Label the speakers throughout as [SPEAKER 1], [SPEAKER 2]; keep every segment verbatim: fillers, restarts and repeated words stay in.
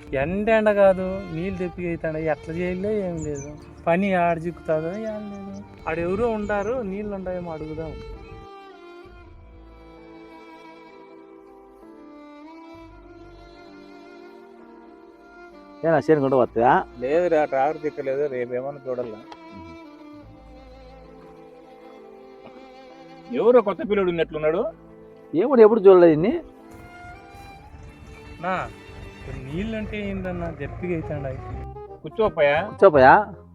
[SPEAKER 1] ఎండ ఎండ కాదు నీళ్ళు తెప్పి అవుతాడు ఎట్లా చేయలే ఏం లేదు పని ఆడ చిక్కుతుందో ఏం లేదు ఆడెవరో ఉంటారు నీళ్ళు ఉంటాయేమో అడుగుదాం.
[SPEAKER 2] ఏనా చేను కొంట వస్తా
[SPEAKER 3] లేదురా ట్రాక్టర్ తిక్కలేదు రేపు ఏమన్నా చూడాలా. ఎవరో కొత్త పిల్లడు ఉన్నట్లున్నాడు.
[SPEAKER 2] ఏమో ఎప్పుడు చూడలేదు ఇన్ని
[SPEAKER 1] నా నీళ్ళు అంటే ఏందన్నా దెప్పిగా అవుతాడు
[SPEAKER 3] కూర్చోపోయా
[SPEAKER 2] కూర్చోపోయా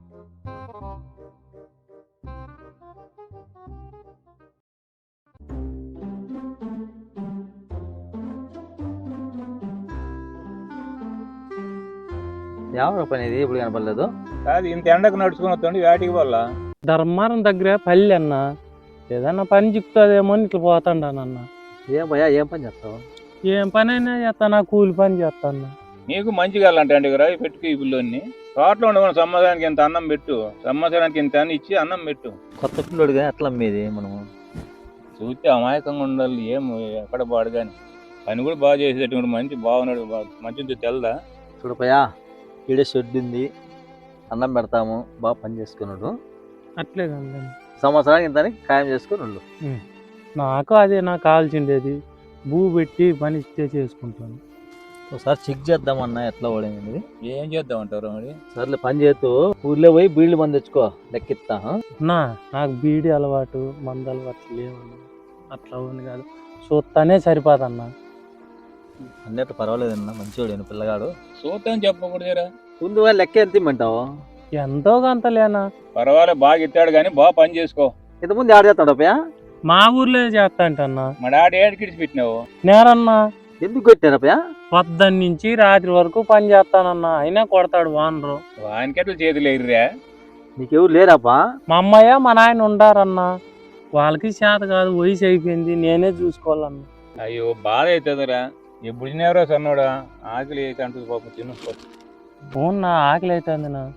[SPEAKER 2] ఎవరు పని ఇది ఇప్పుడు కనపడలేదు.
[SPEAKER 3] కాదు ఇంత ఎండకు నడుచుకుని వస్తుంది వేటికి వల్ల
[SPEAKER 1] ధర్మారం దగ్గర పల్లె అన్న ఏదన్నా పని చిక్కుతుందేమో అని ఇట్లా పోతాడానన్న.
[SPEAKER 2] ఏం భయా ఏం పని చేస్తావు?
[SPEAKER 1] ఏం పని అయినా చేస్తాను కూలి పని చేస్తాను.
[SPEAKER 3] నీకు మంచిగా అంటే కదా పెట్టుకు ఈ పిల్లోని తోటలో ఉండకుండా సంవత్సరానికి ఇంత అన్నం పెట్టు, సంవత్సరానికి ఇంత అని ఇచ్చి అన్నం పెట్టు.
[SPEAKER 2] కొత్త పిల్లోడుగా ఎట్లా అమ్మేది మనము?
[SPEAKER 3] చూస్తే అమాయకంగా ఉండాలి. ఏం ఎక్కడ పాడు కానీ పని కూడా బాగా చేసేటటువంటి మంచి బాగున్నాడు. మంచిది తెల్దా
[SPEAKER 2] చూడపోయా ఈడే షెడ్ ఉంది, అన్నం పెడతాము, బాగా పని చేసుకున్నాడు.
[SPEAKER 1] అట్లే కదా
[SPEAKER 2] సంవత్సరానికి ఇంత ఖాయం చేసుకున్నాడు.
[SPEAKER 1] నాకు అదే నాకు కావాల్సిండేది భూ పెట్టి పని ఇస్తే చేసుకుంటాను.
[SPEAKER 2] ఒకసారి చెక్ చేద్దామన్నా ఎట్లా ఓడింది.
[SPEAKER 3] ఏం చేద్దాం అంటారు మరి?
[SPEAKER 2] సర్లే పని చేస్తూ ఊర్లో పోయి బీళ్ళు మంది తెచ్చుకో లెక్కిస్తా.
[SPEAKER 1] నా నాకు బీడి అలవాటు మందు అలవాటు లేవన్నా అట్లా ఉంది కాదు చూస్తానే సరిపోదన్నా.
[SPEAKER 2] అన్నట్టు పర్వాలేదన్నా మంచివాడు పిల్లగాడు.
[SPEAKER 3] చూద్దాం చెప్పకూడదురా
[SPEAKER 2] ముందు లెక్క ఎంత ఇమ్మంటావు?
[SPEAKER 1] ఎంతో కొంత లేనా
[SPEAKER 3] పర్వాలేదు బాగా ఇస్తాడు కానీ బాగా పని చేసుకో.
[SPEAKER 2] ఇంతకుముందు ఆడ చేస్తాడు అప్పయా?
[SPEAKER 1] మా ఊర్లో చేస్తా అంటన్నా.
[SPEAKER 3] మా డాడీ ఏడు కిడిచి పెట్టినావు
[SPEAKER 1] నేరన్నా
[SPEAKER 2] ఎందుకు కొట్టారు అప్పయా?
[SPEAKER 1] పొద్దున్న నుంచి రాత్రి వరకు పని చేస్తానన్నా అయినా కొడతాడు వానరు.
[SPEAKER 3] వానికెట్లు చేతులు ఎగిరిరా?
[SPEAKER 2] నీకెవరు లేరాపా?
[SPEAKER 1] మా అమ్మయ్య మా నాయన ఉండారన్నా. వాళ్ళకి చేత కాదు వయసు అయిపోయింది నేనే చూసుకోవాలన్నా.
[SPEAKER 3] అయ్యో బాధ అవుతుందిరా. ఎప్పుడు తినేవరా సన్నోడా? ఆకలి అయితే అంటుంది పాపం తిను.
[SPEAKER 1] అవునా ఆకలి అవుతుంది నా.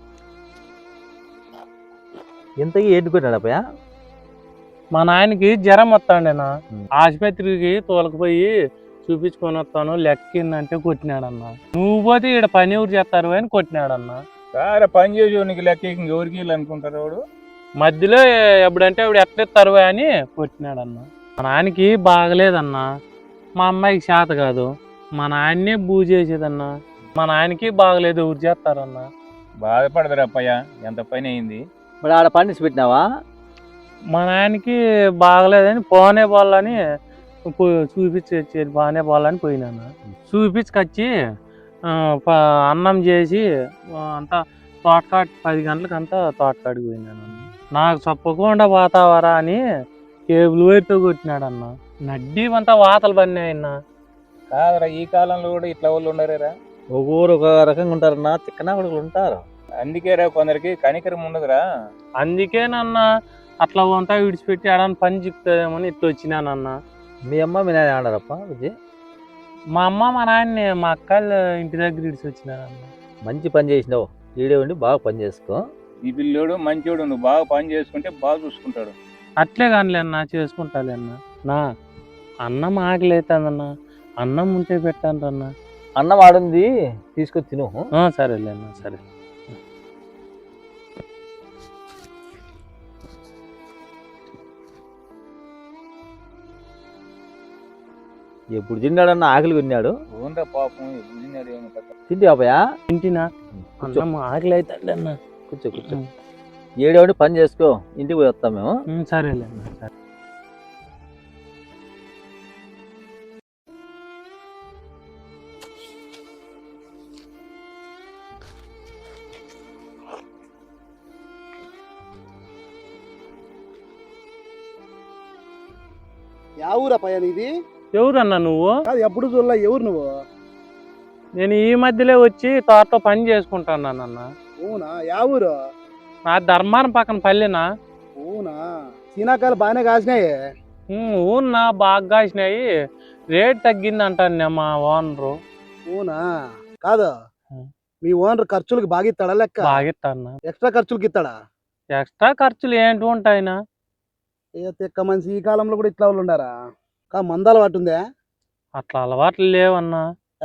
[SPEAKER 2] ఇంతకీ ఏంటి కొట్టాడు అప్పయా?
[SPEAKER 1] మా నాయనకి జ్వరం వస్తాండేనా ఆసుపత్రికి తోలకపోయి చూపించుకొని వస్తాను లెక్కిందంటే కొట్టినాడన్నా. నువ్వు పోతే ఇక్కడ పని ఎవరు చేస్తారు అని కొట్టినాడన్నా.
[SPEAKER 3] సారే పని చేసి నీకు లెక్క ఎవరికి అనుకుంటారు వాడు
[SPEAKER 1] మధ్యలో ఎప్పుడంటే ఇప్పుడు ఎట్లెత్తారు అని కొట్టినాడన్నా. మా నాయనకి బాగలేదన్నా. మా అమ్మాయికి చేత కాదు మా నాయన్నే బూ చేసేదన్నా. మా నాయనకి బాగలేదు ఎవరు చేస్తారన్నా.
[SPEAKER 3] బాధపడదురా అప్పయ్య ఎంత పని అయింది.
[SPEAKER 2] మరి ఆడ పండించి పెట్టినావా?
[SPEAKER 1] మా నాయనకి బాగలేదని పోనే పోవాలని చూపించి బాగానే పోవాలని పోయినాను. చూపించుకొచ్చి అన్నం చేసి అంతా తోటకాడి పది గంటలకు అంతా తోటకాడికి పోయినాను. నాకు చెప్పకుండా పోతావరా అని కేబుల్ వైర్తో కొట్టినాడన్న. నడ్డీ అంతా వాతలు పడినాయన్నా.
[SPEAKER 3] కాదరా ఈ కాలంలో కూడా ఇట్లా వాళ్ళు ఉండరేరా?
[SPEAKER 2] ఒక్కొరు ఒక రకంగా ఉంటారన్నా. తిక్కనా కొడుకులు ఉంటారు.
[SPEAKER 3] అందుకేరా కొందరికి కనికరం ఉండదురా.
[SPEAKER 1] అందుకేనన్నా అట్లా అంతా విడిచిపెట్టి ఆడని పని చిక్కుతుందేమని ఇట్లా వచ్చినానన్నా.
[SPEAKER 2] మీ అమ్మ మీ నాయన ఆడారప్ప విజయ్?
[SPEAKER 1] మా అమ్మ మా నాయన్ని మా అక్కలు ఇంటి దగ్గర ఇడిచి వచ్చినారన్న.
[SPEAKER 2] మంచి పని చేసినావు. ఈడే ఉండి బాగా పని చేసుకో.
[SPEAKER 3] ఈ పిల్లోడు మంచోడు, నువ్వు బాగా పని చేసుకుంటే బాగా చూసుకుంటాడు.
[SPEAKER 1] అట్లే కానిలే అన్న చేసుకుంటాలే అన్న. నా అన్నం ఆకలి అవుతుందన్నా. అన్నం ఉంటే పెట్టాను అన్న.
[SPEAKER 2] అన్నం ఆడుంది తీసుకొని తిను.
[SPEAKER 1] సరేలే అన్న సరే.
[SPEAKER 2] ఎప్పుడు తిన్నాడన్న ఆకలి కొన్నాడు.
[SPEAKER 3] ఓన్రా పాపం ఎప్పుడు తిన్నాడు ఏమో.
[SPEAKER 2] తింటి బాబయా?
[SPEAKER 1] తింటినా అన్నం ఆకలి అవుతాడు అన్న.
[SPEAKER 2] కూర్చో కూర్చో. ఏడేవాడి పని చేసుకో ఇంటికి పోయి వస్తాం మేము.
[SPEAKER 1] సరేలే అన్న సరే.
[SPEAKER 4] యా ఊరా పయ్య నీది?
[SPEAKER 1] ఎవరన్నా నువ్వు?
[SPEAKER 4] ఎప్పుడు చూడలే. ఎవరు నువ్వు?
[SPEAKER 1] నేను ఈ మధ్యలో వచ్చి తోటలో పని చేసుకుంటానన్న.
[SPEAKER 4] అవునా? యా ఊరు?
[SPEAKER 1] నా ధర్మారం పక్కన పల్లెనా.
[SPEAKER 4] అవునా? సీనాకాయలు బాగానే కాసినాయి.
[SPEAKER 1] ఊన్నా బాగా కాసినాయి. రేట్ తగ్గింది అంటాను మా ఓనరు.
[SPEAKER 4] అవునా? కాదు మీ ఓనర్ ఖర్చులకి బాగా ఇస్తాడా? లెక్క
[SPEAKER 1] బాగా ఇస్తాను.
[SPEAKER 4] ఎక్స్ట్రా ఖర్చులకి ఇస్తాడా?
[SPEAKER 1] ఎక్స్ట్రా ఖర్చులు ఏంటి ఉంటాయినా?
[SPEAKER 4] ఏ తిక్క మనిషి ఈ కాలంలో కూడా ఇట్లా వాళ్ళు ఉండారా? కా మంద అలవాటు ఉందే?
[SPEAKER 1] అట్లా అలవాట్లు లేవన్నా.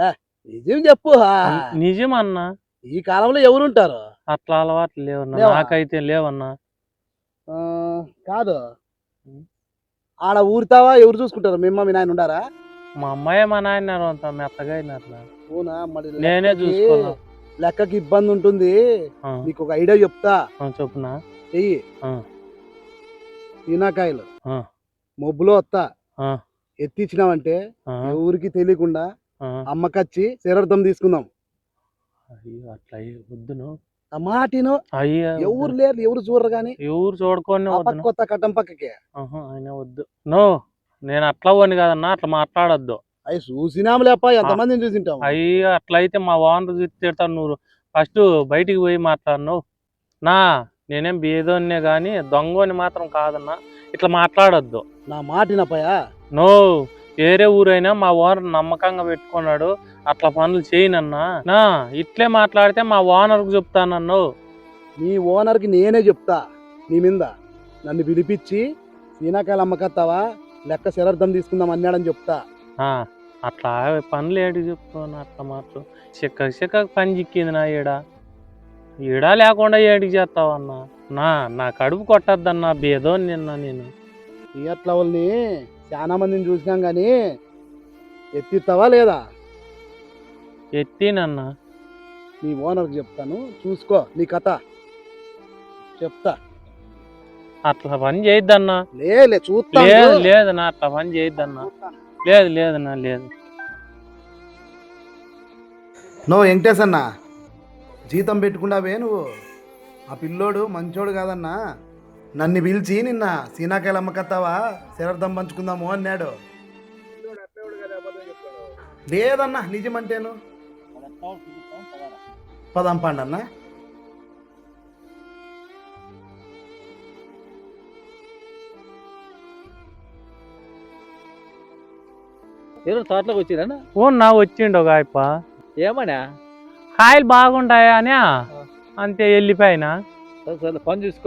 [SPEAKER 4] నిజం చెప్పు ఆ.
[SPEAKER 1] నిజమన్నా.
[SPEAKER 4] ఈ కాలంలో ఎవరుంటారు?
[SPEAKER 1] అట్లా అలవాట్లు లేవన్నా,
[SPEAKER 4] లేవా?
[SPEAKER 1] నాకైతే లేవన్నా.
[SPEAKER 4] ఆ, కాదు
[SPEAKER 1] ఉం.
[SPEAKER 4] ఆడ ఊరుతావా ఎవరు చూసుకుంటారు? మీ అమ్మ మీ నాయన ఉండారా?
[SPEAKER 1] మా అమ్మాయి మా నాయన అంత మెత్తగా అయినారు.
[SPEAKER 4] అవునా? మరి
[SPEAKER 1] నేనే
[SPEAKER 4] లెక్కకి-
[SPEAKER 1] చూసుకోవాలా.
[SPEAKER 4] లెక్కకి ఇబ్బంది ఉంటుంది.
[SPEAKER 1] ఆ,
[SPEAKER 4] నీకు ఒక ఐడియా చెప్తా.
[SPEAKER 1] ఆ, చెప్పునా.
[SPEAKER 4] చెయ్యి.
[SPEAKER 1] ఆ,
[SPEAKER 4] ఈనాకాయలు
[SPEAKER 1] ఆ,
[SPEAKER 4] మొబ్బులో వస్తా
[SPEAKER 1] ఆ,
[SPEAKER 4] ఎత్తిచ్చినావంటే
[SPEAKER 1] ఆ,
[SPEAKER 4] ఎవరికి తెలియకుండా
[SPEAKER 1] ఆ.
[SPEAKER 4] అమ్మకచ్చి శరార్థం తీసుకుందాం.
[SPEAKER 1] అయ్యో అట్లా అయ్యి వద్దును.
[SPEAKER 4] ఆ మాటిను
[SPEAKER 1] అయ్యా
[SPEAKER 4] ఎవరు లేరు, ఎవరు చూడరు గాని
[SPEAKER 1] ఎవరు చూడుకొని
[SPEAKER 4] ఆ పక్క
[SPEAKER 1] వద్దును.
[SPEAKER 4] కొత్త కట్టం పక్కకి
[SPEAKER 1] ఆహా, ఆయన వద్దు. నో, నేను అట్లా పోను కదన్నా, అట్లా మాట్లాడొద్దు.
[SPEAKER 4] అవి చూసినాము లేప ఎంతమందిని చూసింటాము.
[SPEAKER 1] అయ్యో అట్లయితే మా ఓనర్ తిడతాను. నువ్వు ఫస్ట్ బయటికి పోయి మాట్లాడను. నా నేనేం బేదోన్నే కానీ దొంగని మాత్రం కాదన్నా, ఇట్లా మాట్లాడొద్దు.
[SPEAKER 4] నా మాటినపయా
[SPEAKER 1] నో, వేరే ఊరైనా మా ఓనర్ నమ్మకంగా పెట్టుకున్నాడు, అట్లా పనులు చేయనన్నా. నా ఇట్లే మాట్లాడితే మా ఓనర్కు చెప్తానన్ను.
[SPEAKER 4] నీ ఓనర్కి నేనే చెప్తా నీ మీద. నన్ను పిలిపించి సీనాకాయలు అమ్మకత్తావా లెక్క శరార్థం తీసుకుందాం అన్నాడని చెప్తా.
[SPEAKER 1] ఆ, అట్లా పనులు ఏడు చెప్తాను. అట్లా మాత్రం చిక్క చిక్క పని చిక్కింది నా ఈడ. ఈడ లేకుండా ఏడికి చేస్తావన్నా. నా నా కడుపు కొట్టద్దన్నా, బేదో నిన్న నేను.
[SPEAKER 4] నీ అట్లా వాళ్ళని చాలా మందిని చూసినాం గాని ఎత్తిస్తావా లేదా?
[SPEAKER 1] ఎత్తినన్నా.
[SPEAKER 4] నీ ఓనర్కి చెప్తాను, చూసుకో నీ కథ చెప్తా.
[SPEAKER 1] అట్లా పని చేయొద్దన్నా.
[SPEAKER 4] లేలే చూస్తా.
[SPEAKER 1] లేదు లేదన్నా, అట్లా పని చేయొద్దన్నా. లేదు లేదన్నా, లేదు.
[SPEAKER 4] నో వెంకటేశ్ అన్న, జీతం పెట్టుకున్నావే నువ్వు. ఆ పిల్లోడు మంచోడు కాదన్నా. నన్ను పిలిచి నిన్న సీనాకాయలు అమ్మకత్తావా శరార్థం పంచుకుందాము అన్నాడు. లేదన్నా నిజమంటేను. పదాం పండన్నా.
[SPEAKER 2] ఎవరు తోటలోకి వచ్చిరన్నా?
[SPEAKER 1] ఓ నా వచ్చిండు ఒక ఆయప్ప.
[SPEAKER 2] ఏమన్నా?
[SPEAKER 1] కాయలు బాగుంటాయా అని అంతే వెళ్ళిపోయినా.
[SPEAKER 2] సరే సరే పని చూసుకో.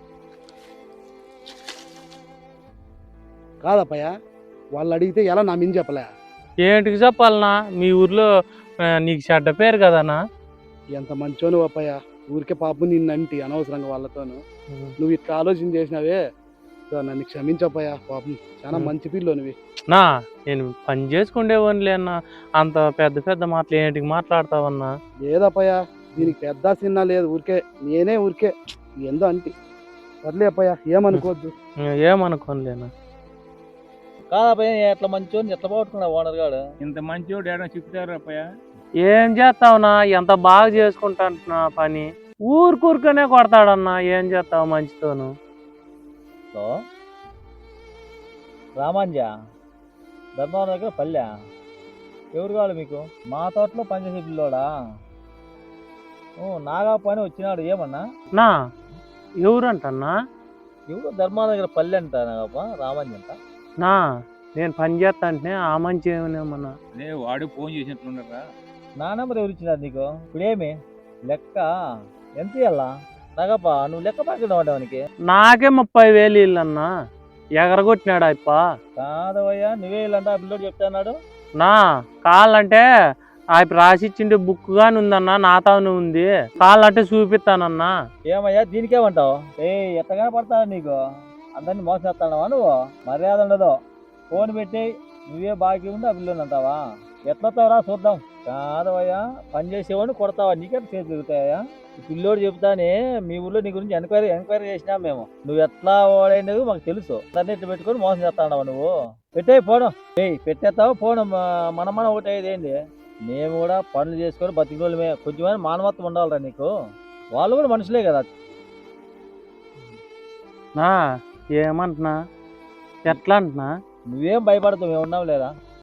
[SPEAKER 4] కాదప్పయ్య, వాళ్ళు అడిగితే ఎలా నా మించి చెప్పలే?
[SPEAKER 1] ఏంటికి చెప్పాలనా? మీ ఊర్లో ఆ, నీకు చెడ్డ పేరు కదనా.
[SPEAKER 4] ఎంత మంచోను అప్పయ్య, ఊరికే పాపం నిన్నంటి అనవసరంగా వాళ్ళతోను. నువ్వు ఇట్లా ఆలోచన చేసినావే, సో నన్ను క్షమించప్పయ్యా. పాపం చాలా మంచి పిల్లో నువ్వు.
[SPEAKER 1] నా నేను పని చేసుకుండేవాడిలే అన్నా, అంత పెద్ద పెద్ద మాటలు ఏంటికి మాట్లాడతావన్నా?
[SPEAKER 4] లేదప్పయ్య, దీనికి పెద్ద చిన్న లేదు, ఊరికే నేనే ఊరికే ఏందో అంటి. సర్లే అప్పయ్య, ఏమనుకోవద్దు.
[SPEAKER 1] ఏమనుకోనులేనా.
[SPEAKER 2] కాదపయ్య, ఎట్లా మంచోని ఎట్లా పోగొట్టుకున్నావు ఓనర్ గాడు?
[SPEAKER 3] ఇంత మంచివాడు ఏడా చెప్తారు అప్పయ్య.
[SPEAKER 1] ఏం చేస్తావునా, ఎంత బాగా చేసుకుంటా పని, ఊరుకూరుకనే కొడతాడన్నా. ఏం చేస్తావు మంచితోను.
[SPEAKER 2] సో రామాంజ ధర్మవరం దగ్గర పల్లె ఎవరు కావాలి మీకు? మా తోటలో పనిచేసే పిల్లోడా? ఓ నాగా పని వచ్చినాడు. ఏమన్నా?
[SPEAKER 1] నా ఎవరంటన్నా?
[SPEAKER 2] ఎవరు ధర్మవరం దగ్గర పల్లె అంట నాగప్ప, రామాంజ అంట.
[SPEAKER 1] నా నేను పని చేస్తా అంటే ఆ మంచి ఏమన్నా.
[SPEAKER 3] అదే వాడు ఫోన్ చేసినట్లున్నారా?
[SPEAKER 2] నా నెంబర్ ఎవరు ఇచ్చినారు నీకు? ఇప్పుడేమి లెక్క ఎంత ఇయ్యాలా? నాగప్ప నువ్వు లెక్క పాకెట్ వాడడానికి
[SPEAKER 1] నాకే ముప్పై వేలు ఇల్లన్నా. ఎగరగొట్టినాడు అప్ప.
[SPEAKER 2] కాదవయ్యా, నువ్వే ఇల్లంట ఆ పిల్లోడు చెప్తాన్నాడు.
[SPEAKER 1] నా కాళ్ళంటే ఆయన రాసిచ్చిండే బుక్ గాని ఉందన్నా, నాతోనే ఉంది. కాళ్ళంటే చూపిస్తానన్నా.
[SPEAKER 2] ఏమయ్యా దీనికేమంటావు? ఏ ఎత్తగానే పడతావు నీకు? అందరినీ మోసం చేస్తానవా నువ్వు? మర్యాద ఉండదు. ఫోన్ పెట్టి నువ్వే బాకీ ఉంది ఆ పిల్లోని అంటావా? ఎట్లొస్తావురా చూద్దాం. కాదవయ్యా, పని చేసేవాడిని కొడతావా? నీకే చేతి తిరుగుతాయా? ఈ పిల్లోడు చెప్తానే మీ ఊళ్ళో నీ గురించి ఎంక్వైరీ ఎంక్వైరీ చేసినాం మేము. నువ్వు ఎట్లా ఓడైనది మాకు తెలుసు. దాన్ని ఇట్లా పెట్టుకొని మోసం చేస్తావు నువ్వు. పెట్టే ఫోను. ఏయ్ పెట్టేస్తావు ఫోన్. మన మన ఒకటి అయ్యేది ఏంది? మేము కూడా పనులు చేసుకొని బతికి రోజులమే. కొంచెమైనా మానవత్వం ఉండాలిరా నీకు. వాళ్ళు కూడా మనుషులే కదా.
[SPEAKER 1] నా ఏమంటున్నా, ఎట్లా అంటున్నా?
[SPEAKER 2] నువ్వేం భయపడతావు, మేము ఉన్నాం లేదా?